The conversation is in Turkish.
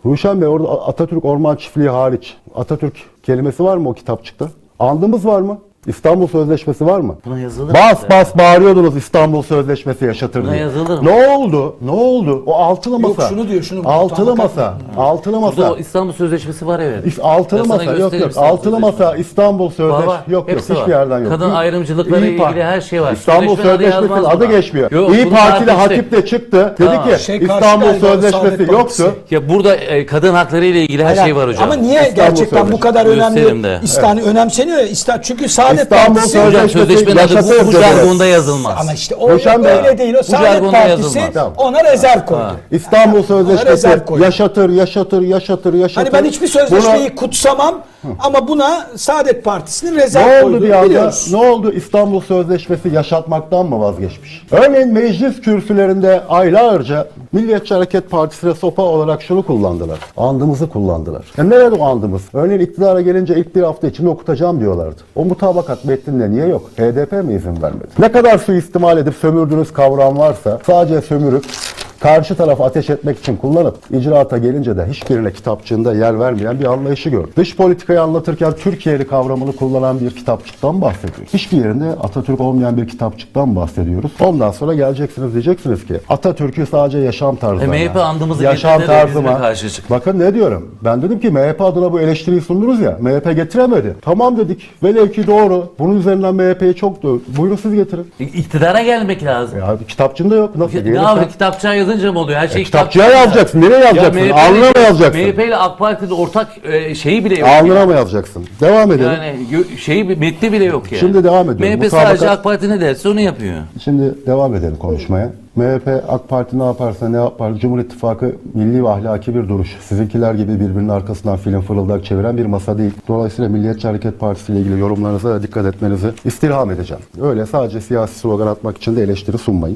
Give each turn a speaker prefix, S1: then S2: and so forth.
S1: Ruşen Bey, orada Atatürk Orman Çiftliği hariç Atatürk kelimesi var mı o kitapçıkta? Andımız var mı? İstanbul Sözleşmesi var mı?
S2: Buna yazılır
S1: Bas
S2: mı?
S1: bas bağırıyordunuz İstanbul Sözleşmesi yaşatır
S2: Buna
S1: diye.
S2: yazılır mı?
S1: Ne oldu? Ne oldu? O altılı masa.
S3: Yok, şunu diyor, şunu.
S1: Altılı
S3: Tam
S1: masa. Altılı
S2: Burada
S1: masa.
S2: o İstanbul Sözleşmesi var evet.
S1: Altılı
S2: Ben sana
S1: masa yok
S2: göstereyim
S1: yok.
S2: İstanbul
S1: Altılı
S2: Sözleşmesi.
S1: masa İstanbul Sözleşmesi
S2: Var.
S1: yok
S2: Hepsi
S1: hiçbir
S2: var.
S1: yerden yok.
S2: Kadın ayrımcılıkları ile ilgili her şey var.
S1: İstanbul
S2: Sözleşmenin adı
S1: Sözleşmesi'nin
S2: yazmaz
S1: adı
S2: buna.
S1: geçmiyor.
S2: Yok,
S1: İyi
S2: bunun
S1: Partili
S2: adı işte-
S1: Hatip de çıktı. Dedi
S2: Tamam.
S1: ki
S3: Şey, karşı
S1: İstanbul
S3: galiba
S1: Sözleşmesi
S3: Saadet Partisi.
S1: yoktu.
S2: Ya burada kadın hakları ile ilgili her şey var hocam.
S3: Ama niye
S1: İstanbul
S3: gerçekten bu
S1: Sözleşmesi.
S3: kadar
S2: Gösterim
S3: önemli?
S2: de.
S3: Önemseniyor ya. Çünkü Saadet
S1: İstanbul
S3: Partisi...
S1: Sözleşmesi-
S2: Hocam sözleşmenin adı
S1: yaşatır
S2: bu
S1: dedi.
S2: jargonda yazılmaz.
S3: Ama işte o
S1: Ruşen Bey,
S3: öyle değil. O Saadet
S2: jargonda
S3: Partisi
S2: yazılmaz.
S3: ona rezerv koydu.
S1: İstanbul Sözleşmesi
S3: rezerv koydu.
S1: yaşatır.
S3: Hani ben hiçbir sözleşmeyi kutsamam ama buna Saadet Partisi'nin rezerv
S1: Ne oldu
S3: koyduğunu
S1: bir anda?
S3: biliyoruz.
S1: Ne oldu? İstanbul Sözleşmesi yaşatmaktan mı vazgeçmiş? Örneğin meclis kürsülerinde aylarca Milliyetçi Hareket Partisi'ne sopa olarak şunu kullandılar. Andımızı kullandılar. Nerede o andımız? Örneğin iktidara gelince ilk bir hafta içinde okutacağım diyorlardı. O mutabakat metninde niye yok? HDP mi izin vermedi? Ne kadar suistimal edip sömürdüğünüz kavram varsa sadece sömürüp karşı tarafa ateş etmek için kullanıp icraata gelince de hiçbirine kitapçığında yer vermeyen bir anlayışı gördük. Dış politikayı anlatırken Türkiye'li kavramını kullanan bir kitapçıktan bahsediyoruz. Hiçbir yerinde Atatürk olmayan bir kitapçıktan bahsediyoruz. Ondan sonra geleceksiniz diyeceksiniz ki Atatürk'ü sadece yaşam tarzı.
S2: MHP andımızı
S1: yaşam
S2: getirdi de bizimle
S1: tarzıma
S2: karşı çıktı.
S1: Bakın ne diyorum. Ben dedim ki MHP adına bu eleştiriyi sundunuz ya. MHP getiremedi. Tamam dedik. Velev ki doğru. Bunun üzerinden MHP'yi çok da buyurun siz getirin.
S2: İktidara gelmek lazım.
S1: Ya kitapçığında yok. Nasıl?
S2: Ne
S1: Gelirsen-
S2: abi kitapçığa yazınca mı oluyor? Her şey
S1: Kitapçıya yazacaksın. Nereye yazacaksın? Alnına mı yazacaksın?
S2: MHP ile AK Parti'de ortak şeyi bile yok.
S1: Alnına
S2: yani.
S1: mı yazacaksın? Devam edelim.
S2: Yani metni bile yok yani.
S1: Şimdi devam ediyorum.
S2: MHP sadece AK Parti ne derse onu yapıyor.
S1: Şimdi devam edelim konuşmaya. MHP, AK Parti ne yaparsa ne yapar? Cumhur İttifakı milli ve ahlaki bir duruş. Sizinkiler gibi birbirinin arkasından film fırıldak çeviren bir masa değil. Dolayısıyla Milliyetçi Hareket Partisi ile ilgili yorumlarınıza da dikkat etmenizi istirham edeceğim. Öyle sadece siyasi slogan atmak için de eleştiri sunmayın.